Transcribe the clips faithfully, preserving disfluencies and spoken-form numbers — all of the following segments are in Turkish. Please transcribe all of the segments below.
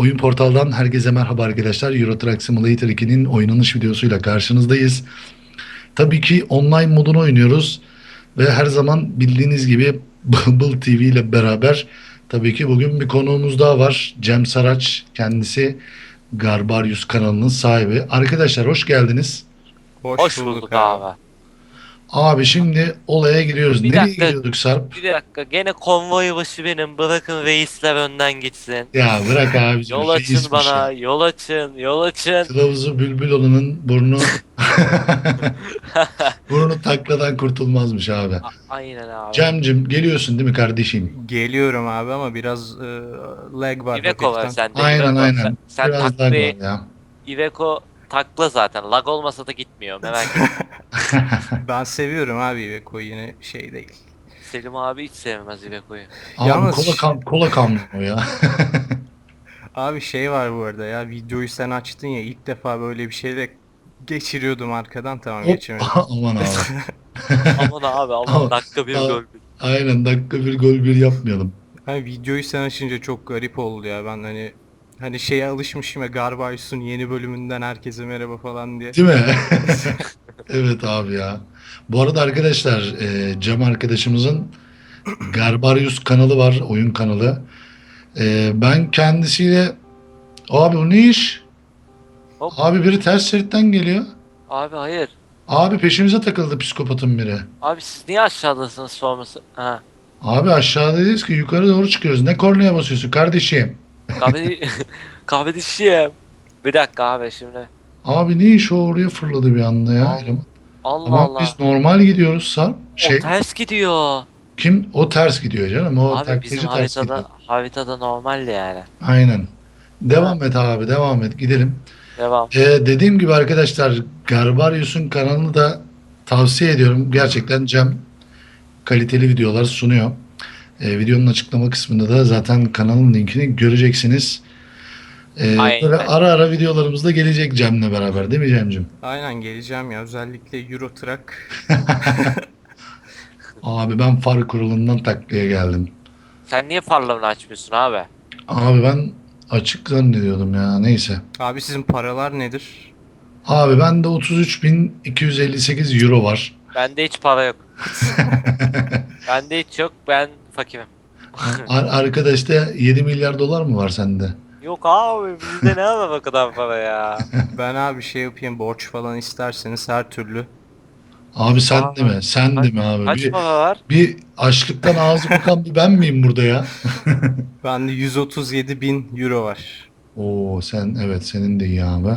Oyun Portal'dan herkese merhaba arkadaşlar. Euro Truck Simulator ikinin oynanış videosuyla karşınızdayız. Tabii ki online modunu oynuyoruz ve her zaman bildiğiniz gibi Bumble T V ile beraber tabii ki bugün bir konuğumuz daha var. Cem Saraç, kendisi Garbarius kanalının sahibi. Arkadaşlar hoş geldiniz. Hoş Hoş bulduk bulduk abi. abi. Abi şimdi olaya giriyoruz. Bir Nereye dakika, gidiyorduk Sarp? bir dakika. Gene konvoy başı benim. Bırakın reisler önden gitsin. Ya bırak abicim, Yol açın reismiş ya. bana, yol açın, yol açın. Kılavuzu bülbül olanın burnu burnu takladan kurtulmazmış abi. A- Aynen abi. Cemcim geliyorsun değil mi kardeşim? Geliyorum abi ama biraz e, lag var Iveco var hafiften. sende, Aynen Iveco. Sen, aynen. sen Biraz lag var taklayı, ya. Iveco takla zaten. Lag olmasa da gitmiyor. Merak etme. Ben seviyorum abi Iveco'yu, yine şey değil. Selim abi hiç sevmez Iveco'yu. Abi Yalnız kola ş- kam kola kamyon o ya. Abi şey var bu arada ya, videoyu sen açtın ya, ilk defa böyle bir şeyle geçiriyordum arkadan, tamam Hop geçemedim. aman abi. Aman abi aman, Ama- dakika bir a- gol. Aynen, dakika bir gol bir yapmayalım. Hani videoyu sen açınca çok garip oldu ya, ben hani hani şeye alışmışım ya, Garbarius'un yeni bölümünden herkese merhaba falan diye. Değil mi? Evet abi ya. Bu arada arkadaşlar, e, Cem arkadaşımızın Garbarius kanalı var. Oyun kanalı. E, ben kendisiyle abi bu ne iş? Hop. Abi biri ters şeritten geliyor. Abi hayır. Abi peşimize takıldı psikopatın biri. Abi siz niye aşağıdasınız sorması? Ha. Abi aşağıdayız ki yukarı doğru çıkıyoruz. Ne kornaya basıyorsun kardeşim? Kahve, kahve dişiyim. Bir dakika abi şimdi. Abi ne iş o, oraya fırladı bir anda ya. Allah eleman. Allah. Ama Allah. biz normal gidiyoruz Sarp. O Şey ters gidiyor. kim? O ters gidiyor canım. O Abi bizim taklacı ters gidiyor. haritada haritada normaldi yani. Aynen. Ha, Devam et abi, devam et, gidelim. devam. Ee, dediğim gibi arkadaşlar, Garbarius'un kanalını da tavsiye ediyorum. Gerçekten Cem kaliteli videolar sunuyor. Ee, videonun açıklama kısmında da zaten kanalın linkini göreceksiniz. Ee, böyle Aynen. ara ara videolarımız da gelecek Cem'le beraber, değil mi Cem'cim? Aynen geleceğim ya, özellikle Euro Truck. Abi ben far kurulundan taklaya geldim. Sen niye farlarını açmıyorsun abi? Abi ben açık zannediyordum ya, neyse. Abi sizin paralar nedir? Abi bende otuz üç bin iki yüz elli sekiz euro var. Bende hiç para yok. Bende hiç yok. Ben fakirim. Ar arkadaşta yedi milyar dolar mı var sende? Yok abi, bizde ne var o kadar para ya? Ben abi şey yapayım, borç falan isterseniz her türlü. Abi sen Aa, de mi? Sen de kaç, mi abi? kaç Bir, para var? bir açlıktan ağzı kokan bir ben miyim burada ya? Bende yüz otuz yedi bin euro var. Oo sen, evet, senin de iyi abi.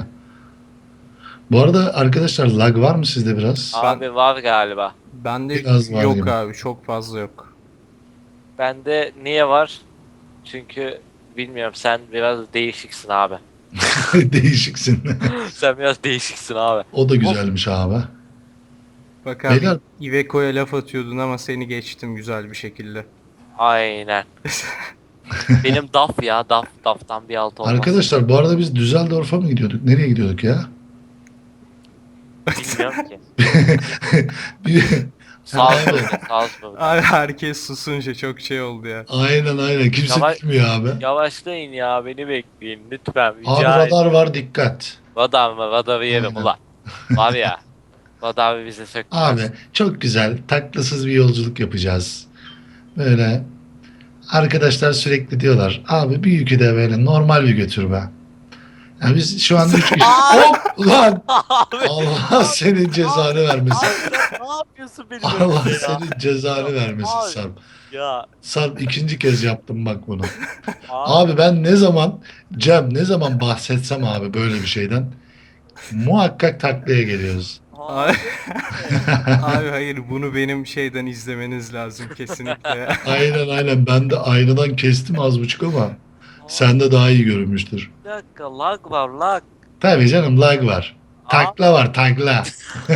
Bu arada arkadaşlar, lag var mı sizde biraz? Abi var galiba. Bende Biraz var yok gibi. abi, çok fazla yok. Bende niye var? Çünkü bilmiyorum, sen biraz değişiksin abi. Değişiksin. Sen biraz değişiksin abi. O da güzelmiş abi. Bak abi, Beyler- Iveco'ya laf atıyordun ama seni geçtim güzel bir şekilde. Aynen. Benim daf ya, daf. Daftan bir alt olmaz. Arkadaşlar bu arada biz Düsseldorf'a mı gidiyorduk? Nereye gidiyorduk ya? Bilmiyorum ki. Bir... Salzburg, Salzburg. Abi herkes susunca çok şey oldu ya. Aynen aynen. Kimse Yavaş- bilmiyor abi. Yavaşlayın ya, beni bekleyin lütfen. Rica Abi ederim. radar var, dikkat. Radar mı? Radarı yerim Aynen. ulan. Var ya. Radar bize sökmez. Abi çok güzel, taklasız bir yolculuk yapacağız. Böyle arkadaşlar sürekli diyorlar, abi bir yükü de böyle normal bir götür be. Yani biz şu an üç kişi. Hop lan! Abi. Allah senin cezanı vermesin. Abi sen ne yapıyorsun benim Allah önümde ya? senin cezanı vermesin Abi. Sarp. Ya Sarp ikinci kez yaptım bak bunu. abi. Abi ben ne zaman, Cem ne zaman bahsetsem abi böyle bir şeyden, muhakkak taklaya geliyoruz. Abi, abi hayır, bunu benim şeyden izlemeniz lazım kesinlikle ya. Aynen aynen, ben de aynadan kestim az buçuk ama sende daha iyi görünmüştür. Bir dakika, lag var lag. Tabii canım, lag var. Takla var, takla.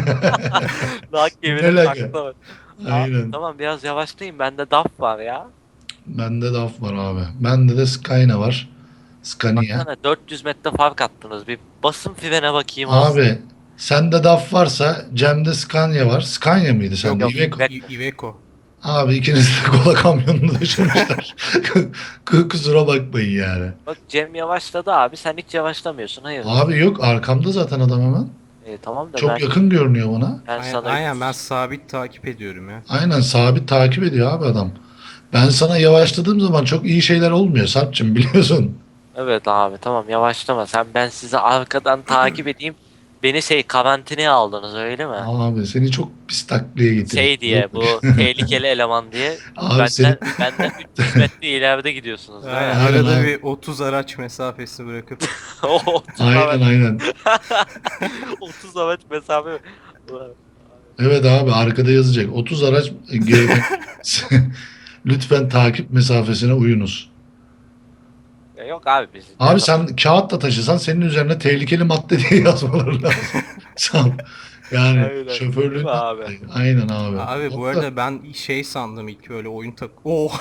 Lag Ne gibi lagı? takla var. Abi, Aynen. tamam biraz yavaşlayın, bende daf var ya. Bende de af var abi. Bende de Skyna var. Scania. Baksana, dört yüz metre fark attınız. Bir basın frene bakayım az. Abi sende D A F varsa Cem'de Scania var. Scania mıydı sende? Yok, Iveco. I- Iveco. Abi ikiniz de kola kamyonunu düşürmüşler. Kusura bakmayın yani. Bak Cem yavaşladı abi. Sen hiç yavaşlamıyorsun. Hayır. Abi yok arkamda zaten adam hemen. E, tamam da Çok ben yakın görünüyor bana. ben Aynen, sana aynen ben sabit takip ediyorum ya. Aynen sabit takip ediyor abi adam. Ben sana yavaşladığım zaman çok iyi şeyler olmuyor Sarp'cığım biliyorsun. evet abi tamam yavaşlama. Sen ben sizi arkadan takip edeyim. Beni şey karantinaya aldınız öyle mi? Abi seni çok pis taklaya getirdim. Şey diye bu tehlikeli eleman diye Abi benden seni benden üç yüz metre ileride gidiyorsunuz. Aynen, Aynen. Aynen arada abi. bir otuz araç mesafesi bırakıp. otuz aynen araç, aynen. otuz araç mesafe. Ulan. Evet abi arkada yazacak. otuz araç geride. Lütfen takip mesafesine uyunuz. Ya yok abi biz. Abi sen kağıtla taşısan senin üzerine tehlikeli madde diye yazmaları lazım. Sen yani Aynen. şoförlüğün Değil mi abi? aynen abi. Abi bu Hatta- arada ben şey sandım ilk öyle oyun tak. Oh.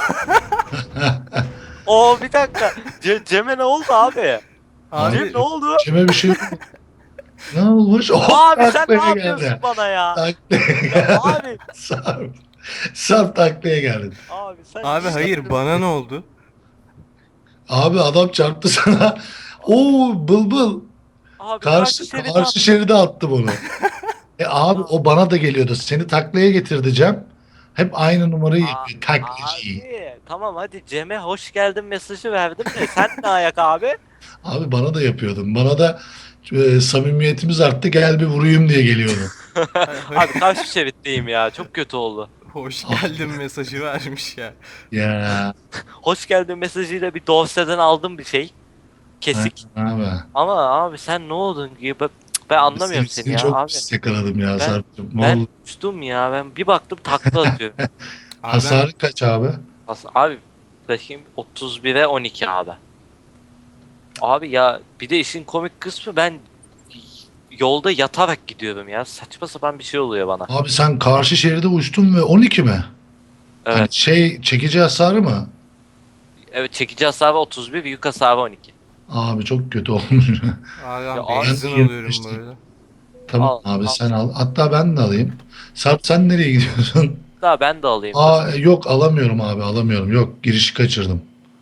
Oo bir dakika. Ce Cem'e ne oldu abi? Abi Cem ne oldu? Kime bir şey ne olmuş? Oh, Abi sen ne taklaya yapıyorsun geldi. bana ya? Taklaya Ya geldi. abi. Sarp. Sarp taklaya geldin. Abi sen abi hayır bana ne oldu? Abi adam çarptı sana. Oo bıl Abi Karşı, şeridi karşı attı. şeride attı bunu. E abi o bana da geliyordu. Seni taklaya getirdi Cem. Hep aynı numarayı Aa, yapıyor. Taklacı. abi tamam hadi Cem'e hoş geldin mesajı verdim de sen ne ayak abi? Abi bana da yapıyordun. Bana da e, samimiyetimiz arttı gel bir vurayım diye geliyordu. Abi karşı şeritteyim ya çok kötü oldu. Hoş geldin mesajı vermiş ya. Ya. Hoş geldin mesajıyla bir dosyeden aldım bir şey. Kesik. Aynen abi. Ama abi sen ne oldun gibi ben anlamıyorum Seni, seni ya çok abi. pis yakaladım ya Ben- Sarp'cığım. Ben Vallahi. uçtum ya ben bir baktım takla atıyorum. Abi ben- Hasarı kaç abi? Aslında abi bakayım otuz bire on iki abi. Abi ya bir de işin komik kısmı ben yolda yatarak gidiyorum ya. Saçma sapan bir şey oluyor bana. Abi sen karşı şeride uçtun ve on iki mi? Evet. Hani şey çekici hasarı mı? Evet çekici hasarı otuz bir, yük hasarı on iki. Abi çok kötü olmuş. Abi Ya ben abi- benzin Ben alıyorum yetmiştim. böyle. Tamam Al, abi al. sen al. Hatta ben de alayım. Sarp sen nereye gidiyorsun? Daha ben de alayım. Aa yok alamıyorum abi alamıyorum. Yok girişi kaçırdım.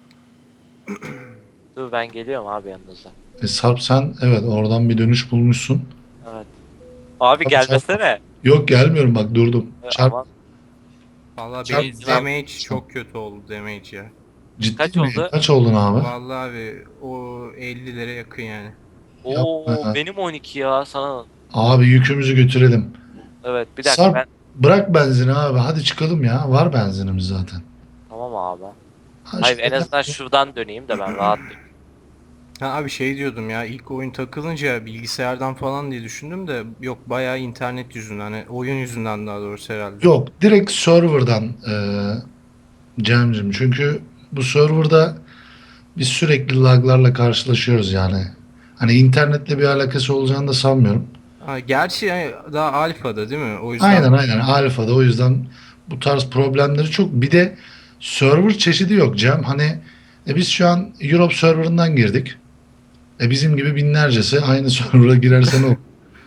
Dur ben geliyorum abi yanınıza. E, Sarp sen evet oradan bir dönüş bulmuşsun. Evet. Abi Tabii, gelmesene. Yok gelmiyorum bak durdum. Ee, Çarp Aman Valla Çarp- benim çarp- damage çok kötü oldu damage ya. ciddi kaç mi? oldu? Kaç oldun abi? Vallahi abi o ellilere yakın yani. Oo Yapma ya. benim on iki ya sana. Abi yükümüzü götürelim. Evet bir dakika Sarp ben. bırak benzini abi hadi çıkalım ya. Var benzinimiz zaten. Tamam abi. Ha, Hayır şöyle- en azından şuradan döneyim de ben rahatlayayım. Ha abi şey diyordum ya ilk oyun takılınca bilgisayardan falan diye düşündüm de yok bayağı internet yüzünden hani oyun yüzünden daha doğrusu herhalde. Yok direkt serverdan e, Cem'cim. Çünkü bu serverda biz sürekli laglarla karşılaşıyoruz yani. Hani internetle bir alakası olacağını da sanmıyorum. Ha, gerçi yani daha alfada değil mi? O yüzden Aynen aynen alfada o yüzden bu tarz problemleri çok. Bir de server çeşidi yok Cem. Hani e biz şu an Europe serverından girdik. E bizim gibi binlercesi aynı server'a girerse ne olur?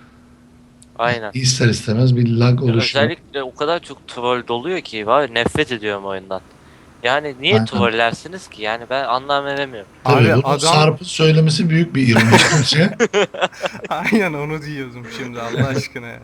Aynen. İster istemez bir lag Ya oluşuyor. özellikle o kadar çok troll doluyor ki var ya, nefret ediyorum oyundan. Yani niye Aynen. trollersiniz ki? Yani ben anlam veremiyorum. Tabii Abi bunu adam- Sarp'ın söylemesi büyük bir ironi bence. aynen onu diyordum şimdi Allah aşkına ya.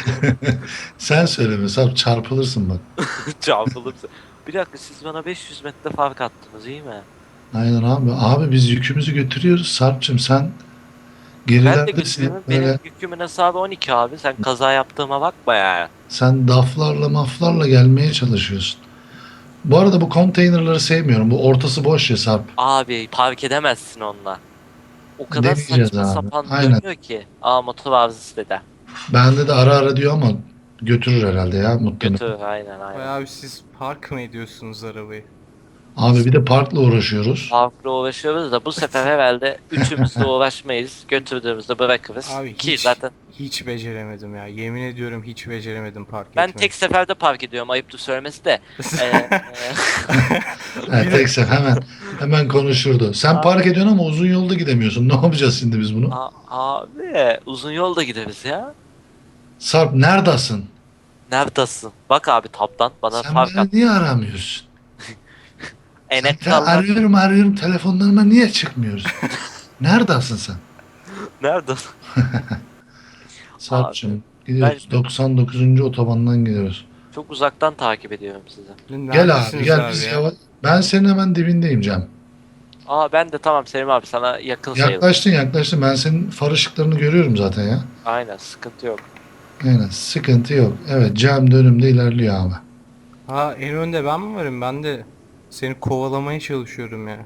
Sen söyleme Sarp çarpılırsın bak. Çarpılırsın. Bir dakika siz bana beş yüz metre fark attınız iyi mi? Aynen abi. Abi biz yükümüzü götürüyoruz. Sarp'cığım sen Ben de gerilerdesin. götürüyorum. Böyle Benim yükümün hesabı on iki abi. Sen kaza yaptığıma bakma yani. sen daflarla maflarla gelmeye çalışıyorsun. Bu arada bu konteynerları sevmiyorum. Bu ortası boş ya Sarp. Abi park edemezsin onunla. O kadar Deneyeceğiz saçma abi. sapan Aynen. dönüyor ki. Aa motor arızası dede. Bende de ara ara diyor ama götürür herhalde ya muhtemelen. Götür aynen aynen. Bayağı abi siz park mı ediyorsunuz arabayı? Abi bir de parkla uğraşıyoruz. Parkla uğraşıyoruz da bu sefer herhalde üçümüz de uğraşmayız. Götürdüğümüzde bırakırız. Abi Ki hiç, zaten hiç beceremedim ya. Yemin ediyorum hiç beceremedim park ben etmeyi. tek seferde park ediyorum ayıptır söylemesi de. Ee, e, Evet, tek sefer hemen hemen konuşurdu. Sen Abi. park ediyorsun ama uzun yolda gidemiyorsun. Ne yapacağız şimdi biz bunu? a- abi uzun yolda gideriz ya. Sarp neredesin? Neredesin? Bak abi tabdan bana Sen fark beni at. niye aramıyorsun? Sen te- Enektarlar. arıyorum arıyorum telefonlarıma niye çıkmıyorsun? Neredesin sen? Neredesin? Abi Sarp'cığım ben gidiyoruz. doksan dokuzuncu otobandan gidiyoruz. çok uzaktan takip ediyorum sizi. Gel abi Neredesiniz gel abi biz ya? yavaş. Ben senin hemen dibindeyim Cem. Aa ben de tamam Selim abi sana yakın sayılır. Yaklaştın yaklaştın. Ben senin far ışıklarını görüyorum zaten ya. Aynen sıkıntı yok. Aynen sıkıntı yok. Evet Cem de önümde ilerliyor abi. Ha en önde ben mi varım? Ben de seni kovalamaya çalışıyorum ya.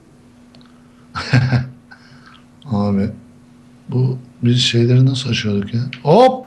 Abi bu biz şeyleri nasıl aşıyorduk ya? Hop!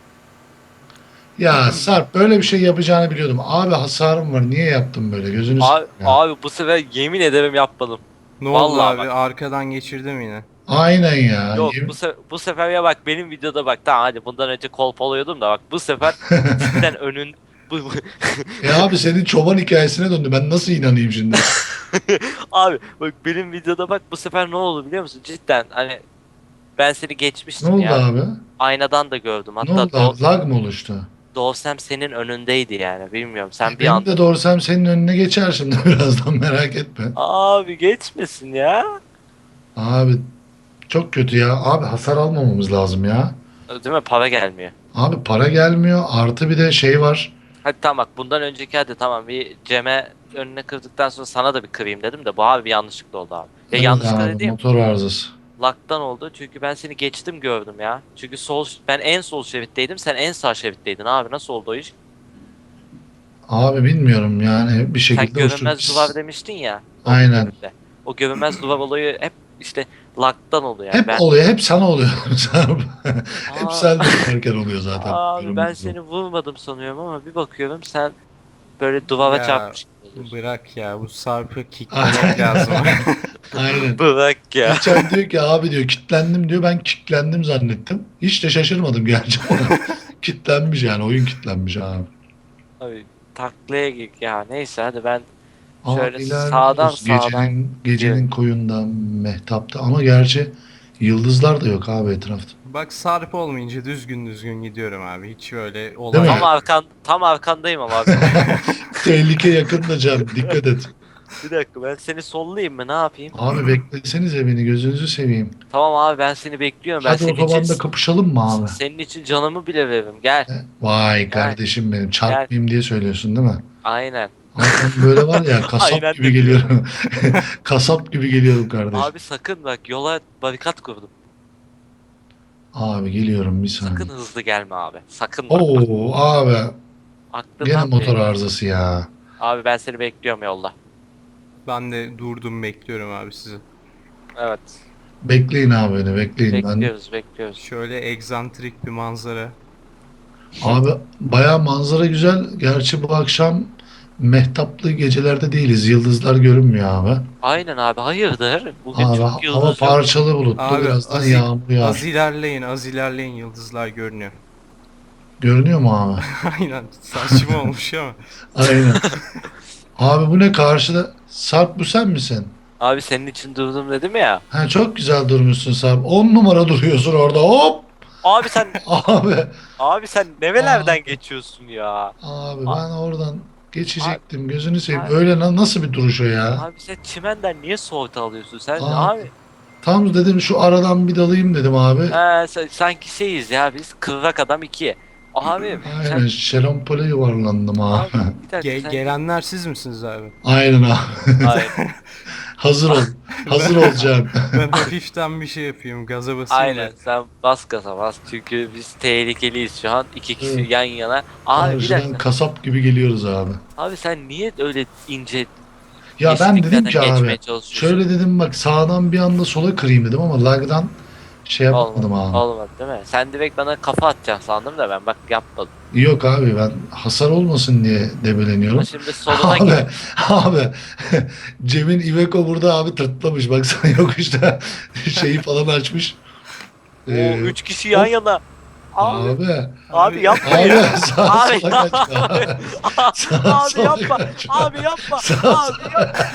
Ya Sarp böyle bir şey yapacağını biliyordum. Abi hasarım var. Niye yaptın böyle? Gözünü Abi, seveyim ya. abi bu sefer yemin ederim yapmadım. Ne oldu Vallahi abi? bak. Arkadan geçirdim yine. Aynen ya. Yok Yemin- bu, se bu sefer ya bak benim videoda bak tamam hadi bundan önce kolpalıyordum da bak bu sefer cidden önün bu, bu- E abi senin çoban hikayesine döndü. Ben nasıl inanayım şimdi? abi bak benim videoda bak bu sefer ne oldu biliyor musun? Cidden hani ben seni Ne geçmiştim oldu ya. abi? Aynadan da gördüm. Ne Hatta oldu Do abi? Lag mı oluştu? Doğsem senin önündeydi yani bilmiyorum. Sen bir Benim anda de doğursam senin önüne geçer şimdi birazdan merak etme. abi geçmesin ya. Abi çok kötü ya. Abi hasar almamamız lazım ya. Değil mi? Para gelmiyor. Abi para gelmiyor. Artı bir de şey var. Hadi tamam bak bundan önceki hadi tamam bir Cem'e önüne kırdıktan sonra sana da bir kırayım dedim de bu abi bir yanlışlıkla oldu abi. Ya Evet yanlışlıkla abi, dediğim motor arızası. laktan oldu çünkü ben seni geçtim gördüm ya. Çünkü sol ben en sol şeritteydim sen en sağ şeritteydin abi nasıl oldu o iş? Abi bilmiyorum yani bir Sen şekilde görünmez uçtuk. duvar demiştin ya. o Aynen. bölümde. O görünmez duvar olayı hep işte laktan oluyor yani. Hep ben, oluyor. Hep sana oluyor. Sarp. Hep Aa. sen de erken oluyor zaten. Abi ben Görünmez seni vurmadım sanıyorum ama bir bakıyorum sen böyle duvara Ya, çarpmış gibi oluyorsun. Bırak ya bu Sarp'ı kicklemek lazım. Aynen. Bırak ya. Geçen diyor ki abi diyor kitlendim diyor. Ben kitlendim zannettim. Hiç de şaşırmadım gerçi ama kitlenmiş yani. Oyun kitlenmiş abi. Abi taklaya gir ya neyse hadi ben Aa, şöyle ilerliyoruz. sağdan sağdan Gecenin, gecenin koyunda, mehtapta ama gerçi yıldızlar da yok abi etrafta. Bak Sarp olmayınca düzgün düzgün gidiyorum abi. Hiç öyle Değil olay mi? tam yok. arkan tam arkandayım ama abi. Tehlike yakında Cem. Dikkat et. Bir dakika ben seni sollayayım mı ne yapayım? Abi beklesenize beni gözünüzü seveyim. Tamam abi ben seni bekliyorum ben Hadi senin otobanda için kapışalım mı abi? senin için canımı bile veririm gel. Vay kardeşim benim çarpmayayım diye söylüyorsun değil mi? Aynen. Ama ben böyle var ya kasap Aynen gibi de geliyorum. Kasap gibi geliyorum kardeşim. Abi, Abi sakın bak yola barikat kurdum. geliyorum bir Sakın saniye. hızlı gelme abi. Sakın bak. Oo abi Aklından gene motor bile- arızası ya. Abi ben seni bekliyorum yolda. Ben de durdum bekliyorum abi sizi. Evet. Bekleyin abi beni bekleyin. Ben, Bekliyoruz bekliyoruz. Şöyle egzantrik bir manzara. abi baya manzara güzel. Gerçi bu akşam mehtaplı gecelerde değiliz. Yıldızlar görünmüyor abi. Aynen abi hayırdır? Bugün Abi çok hava yıldız yok. parçalı bulutlu Abi birazdan az, yağmur yağar. az ilerleyin az ilerleyin yıldızlar görünüyor. Görünüyor mu abi? Aynen saçma olmuş ama. Aynen. Abi bu ne karşıda? Sarp bu sen misin? Abi senin için durdum dedim ya. Ha, çok güzel durmuşsun Sarp. On numara duruyorsun orada. Hop! Abi sen Abi. abi sen nevelerden Abi. geçiyorsun ya. Abi A- ben oradan geçecektim. Gözünü seveyim. Abi. Öyle na- nasıl bir duruş o ya? Abi sen çimenden niye soğut alıyorsun sen Abi. abi? Tam dedim şu aradan bir dalayım dedim abi. He, sen- sanki şeyiz ya biz kıvrak adam iki. Abi Aynen sen şerampole yuvarlandım abi. abi bir dakika Ge- sen gelenler siz misiniz abi? Aynen abi. Aynen. Hazır ol. Hazır olacağım. Ben hafiften bir şey yapayım gaza basayım Aynen da. sen bas gaza bas çünkü biz tehlikeliyiz şu an iki kişi Evet. yan yana. Abi bir Karşıdan dakika. kasap gibi geliyoruz abi. Abi sen niye öyle ince Ya ben dedim yeşilliklerden ki abi. geçmeye çalışıyorsun? Şöyle dedim bak sağdan bir anda sola kırayım dedim ama lagdan şey yapmadım Olmadı, abi. olmadı değil mi? Sen direkt bana kafa atacaksın sandım da ben bak yapmadım. Yok abi ben hasar olmasın diye debeleniyorum. Ama şimdi soluna git. Abi, abi Cem'in Iveco burada abi tırtlamış. Baksana yokuşta şeyi falan açmış. Oo, Ee, üç kişi yan hop. yana. Abi, Abi. abi yapma Abi ya. sağa Abi, sola kaçma. abi, Sağa abi sola yapma. kaçma. Abi yapma. Sağ- Abi yapma.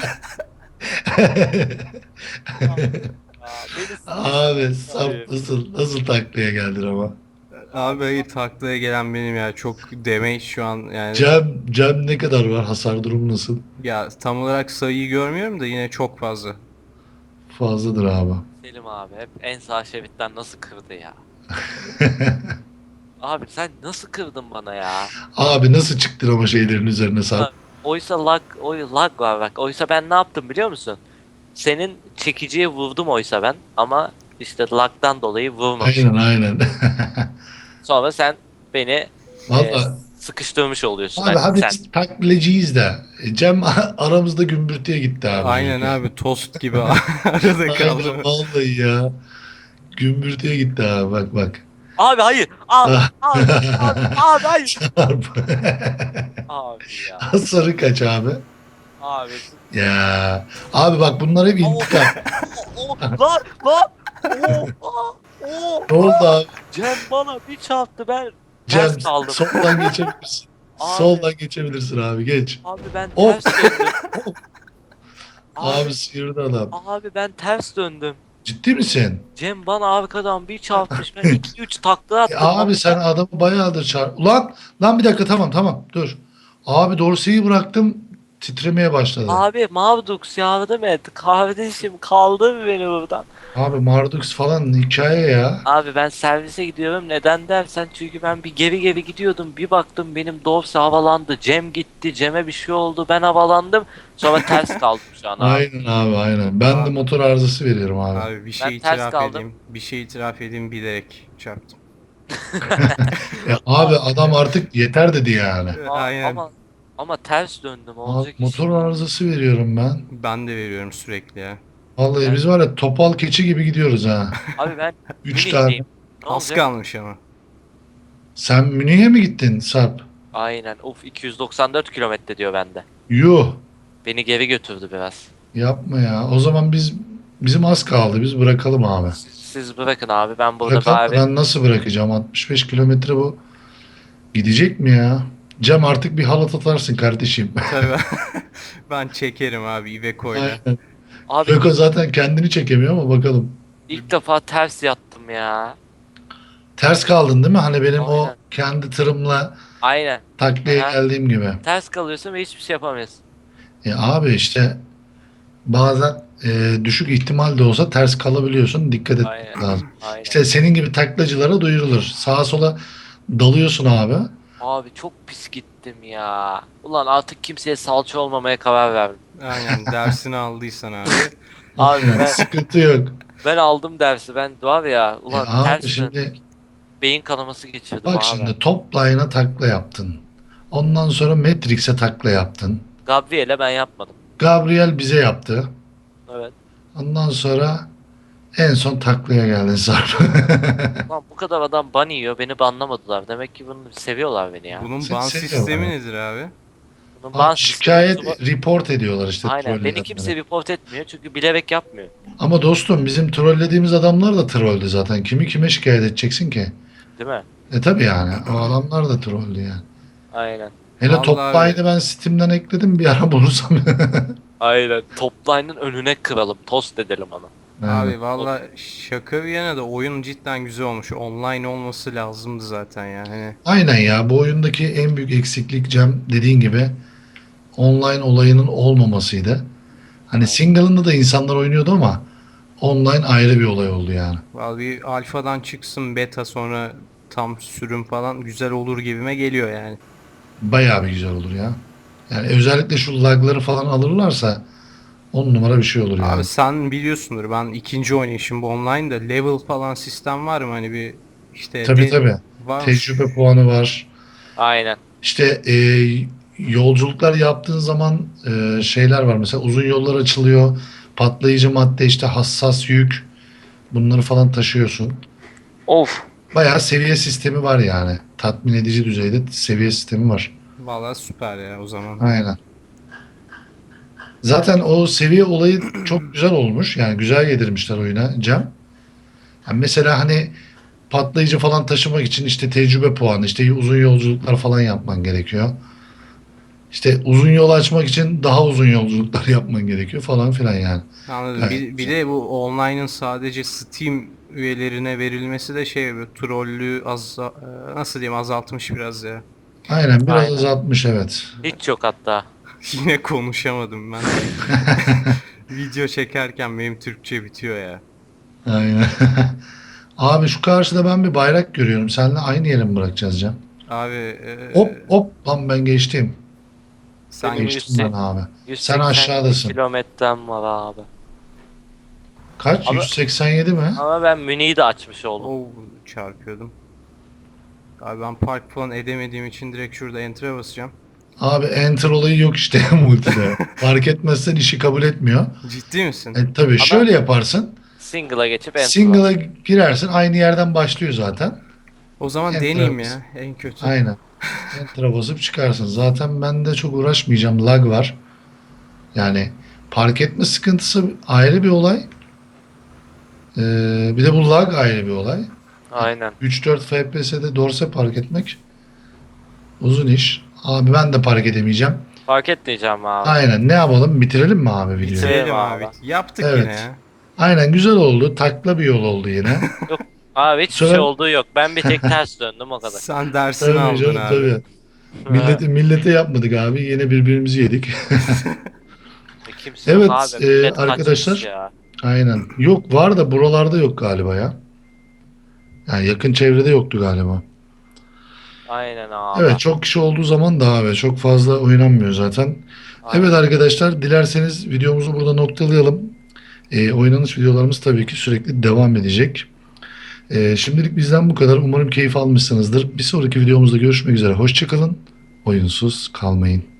Aa, beni Abi Abi. sap nasıl nasıl taklaya geldin ama. Abi hayır, taklaya gelen benim ya. Çok damage şu an yani. Cem, Cem ne kadar var? Hasar durumu nasıl? Ya tam olarak sayıyı görmüyorum da yine çok fazla. Fazladır abi. Selim abi hep en sağ şeritten nasıl kırdı ya? Abi sen nasıl kırdın bana ya? Abi nasıl çıktın ama şeylerin üzerine Sarp? Ha, Oysa lag, oy lag var bak. Oysa ben ne yaptım biliyor musun? Senin çekiciye vurdum oysa ben ama işte lag'dan dolayı Aynen vurmamışım. aynen. Sonra sen beni e, Valla sıkıştırmış oluyorsun. abi Hani hadi sen biz taklacıyız da. E, Cem aramızda gümbürtüye gitti abi. Aynen abi, tost gibi arada kaldı. Aynen vallahi ya. Gümbürtüye gitti abi bak bak. abi hayır. Abi abi abi abi hayır. Sarp. Abi ya. Sarı kaç abi? Abi. Ya abi bak bunlar hep Oh, intikam. oh, oh, lan lan. Oh, oh, oh. Ne oldu abi? Cem bana bir çarptı ben Cem ters kaldım. soldan geçebilirsin. Abi. Soldan geçebilirsin abi geç. Abi ben Hop. ters döndüm. Abi, Abi, sıyırdı adam. abi ben ters döndüm. Ciddi misin? Cem bana arkadan bir çarpmış. Ben iki üç takla E, attım. abi sen adamı bayağıdır çağır. Ulan lan bir dakika tamam tamam dur. Abi dorseyi bıraktım titremeye başladı. Abi, Abi Mavdux yardım et. Kardeşim kaldır beni buradan. Mardux falan hikaye ya. Abi ben servise gidiyorum. Neden dersen çünkü ben bir geri geri gidiyordum. Bir baktım benim dorse havalandı. Cem gitti. Cem'e bir şey oldu. Ben havalandım. Sonra ters kaldım şu an abi. Aynen abi aynen. Ben de Abi. motor arızası veriyorum abi. Abi bir şey Ben ters itiraf kaldım. edeyim. Bir şey itiraf edeyim, bilerek çarptım. E, abi adam artık yeter dedi yani. A- Aynen. Ama ama ters döndüm. Abi, Olacak iş motor değil. arızası veriyorum ben. Ben de veriyorum sürekli ya. Vallahi Yani- biz var ya topal keçi gibi gidiyoruz ha. Abi ben Üç Münih'teyim. tane. Ne Az olacak? kalmış ama. Sen Münih'e mi gittin Sarp? Aynen. Uf iki yüz doksan dört kilometre diyor bende. Yuh. Beni geri götürdü biraz. Yapma ya. O zaman biz bizim az kaldı. Biz bırakalım abi. Siz, siz bırakın abi ben burada Bırakalım. bari Ben nasıl bırakacağım? altmış beş kilometre bu. Gidecek mi ya? Cem artık bir halat atarsın kardeşim. Tabii. Ben çekerim abi Iveco'yla. Aynen. abi Beko zaten kendini çekemiyor ama bakalım. ilk defa ters yattım ya. Ters kaldın değil mi? Hani benim o Aynen. kendi tırımla Aynen. taklaya Aha. geldiğim gibi. Ters kalıyorsun ve hiçbir şey yapamıyorsun. E abi işte bazen e, düşük ihtimal de olsa ters kalabiliyorsun. Dikkat etmek Aynen. lazım. Aynen. İşte senin gibi taklacılara duyurulur. Sağa sola dalıyorsun abi. Abi çok pis gittim ya. Ulan artık kimseye salça olmamaya karar verdim. Aynen, dersini aldıysan abi. Abi ben, Sıkıntı yok. ben aldım dersi. Ben var ya ulan E abi ters döndüm. şimdi Beyin kanaması geçirdim bak abi. şimdi top line'a takla yaptın. Ondan sonra Matrix'e takla yaptın. Gabriel'e ben yapmadım. Gabriel bize yaptı. Evet. Ondan sonra en son taklaya geldin Sarp. Lan bu kadar adam ban yiyor. Beni banlamadılar. Demek ki bunu seviyorlar beni ya. Bunun Seni ban seviyorum sistemi abi. nedir abi? Bunun Abi ban şikayet sistemi- report ediyorlar işte Aynen. Beni trolleyenlere. kimse report etmiyor. Çünkü bilerek yapmıyor. Ama dostum bizim trollediğimiz adamlar da trolldü zaten. Kimi kime şikayet edeceksin ki? Değil mi? E tabi yani. O adamlar da trolldü yani. Aynen. Hele Vallahi top abi. line'ı ben Steam'den ekledim bir ara bulursam. Aynen. Topline'ın önüne kıralım. Tost edelim onu. Aynen. Abi valla şaka bir yana da oyun cidden güzel olmuş. Online olması lazımdı zaten ya. Hani Aynen ya bu oyundaki en büyük eksiklik Cem dediğin gibi online olayının olmamasıydı. Hani single'ında da insanlar oynuyordu ama online ayrı bir olay oldu yani. vallahi bir alfadan çıksın beta, sonra tam sürüm falan güzel olur gibime geliyor yani. Bayağı bir güzel olur ya. Yani özellikle şu lagları falan alırlarsa on numara bir şey olur yani. Abi sen biliyorsundur, ben ikinci oynayışım bu online'da level falan sistem var mı, hani bir işte Tabii te- tabii. var mı? Tecrübe puanı var. Aynen. İşte e, yolculuklar yaptığın zaman e, şeyler var. Mesela uzun yollar açılıyor. Patlayıcı madde işte hassas yük. Bunları falan taşıyorsun. Of. Bayağı seviye sistemi var yani. Tatmin edici düzeyde seviye sistemi var. Valla süper ya o zaman. Aynen. Zaten o seviye olayı çok güzel olmuş. Yani güzel yedirmişler oyuna Cem. Yani mesela hani patlayıcı falan taşımak için işte tecrübe puanı, işte uzun yolculuklar falan yapman gerekiyor. İşte uzun yol açmak için daha uzun yolculuklar yapman gerekiyor falan filan yani. Anladım. Evet. Bir, bir de bu online'ın sadece Steam üyelerine verilmesi de şey böyle trollü az e, nasıl diyeyim azaltmış biraz ya. Aynen biraz Aynen. azaltmış evet. Hiç yok hatta. Yine konuşamadım ben. Video çekerken benim Türkçe bitiyor ya. Aynen. Abi şu karşıda ben bir bayrak görüyorum. Seninle aynı yere mi bırakacağız Can? Abi e, Hop hop lan ben geçtim. sen Benim Geçtim ben yüz- abi. Sen yüz seksen aşağıdasın. kilometrem var abi. Kaç? Abi- yüz seksen yedi mi? Ama ben Münih'i de açmış oldum. oh, çarpıyordum. Abi ben park falan edemediğim için direkt şurada enter'a basacağım. Abi enter olayı yok işte multide. Fark etmezsen işi kabul etmiyor. Ciddi misin? E, tabii şöyle yaparsın. Single'a geçip enter Single'a girersin. Aynı yerden başlıyor zaten. O zaman Enter'a deneyeyim bas. ya en kötü. Aynen. Enter'a basıp çıkarsın. Zaten ben de çok uğraşmayacağım. Lag var. Yani park etme sıkıntısı ayrı bir olay. Ee, bir de bu lag ayrı bir olay. Aynen. üç dört F P S'de dorse park etmek uzun iş. Abi ben de park edemeyeceğim. Fark etmeyeceğim abi. Aynen. Ne yapalım? Bitirelim mi abi videoyu? Bitirelim. Bitirelim abi. abi. Yaptık Evet. yine ya. Aynen güzel oldu. Takla bir yol oldu yine. Abi hiçbir Söyle- şey olduğu yok. Ben bir tek ters döndüm o kadar. Sen dersini Tabii aldın canım abi. tabii. Millete, millete yapmadık abi. Yine birbirimizi yedik. E, Kimse Evet, yok abi. e, Millet arkadaşlar. kaçmış ya. Aynen. Yok var da buralarda yok galiba ya. Yani yakın çevrede yoktu galiba. Aynen abi. Evet çok kişi olduğu zaman daha ve çok fazla oynanmıyor zaten. Aynen. Evet arkadaşlar dilerseniz videomuzu burada noktalayalım. Ee, oynanış videolarımız tabii ki sürekli devam edecek. Ee, şimdilik bizden bu kadar. Umarım keyif almışsınızdır. Bir sonraki videomuzda görüşmek üzere. Hoşçakalın. Oyunsuz kalmayın.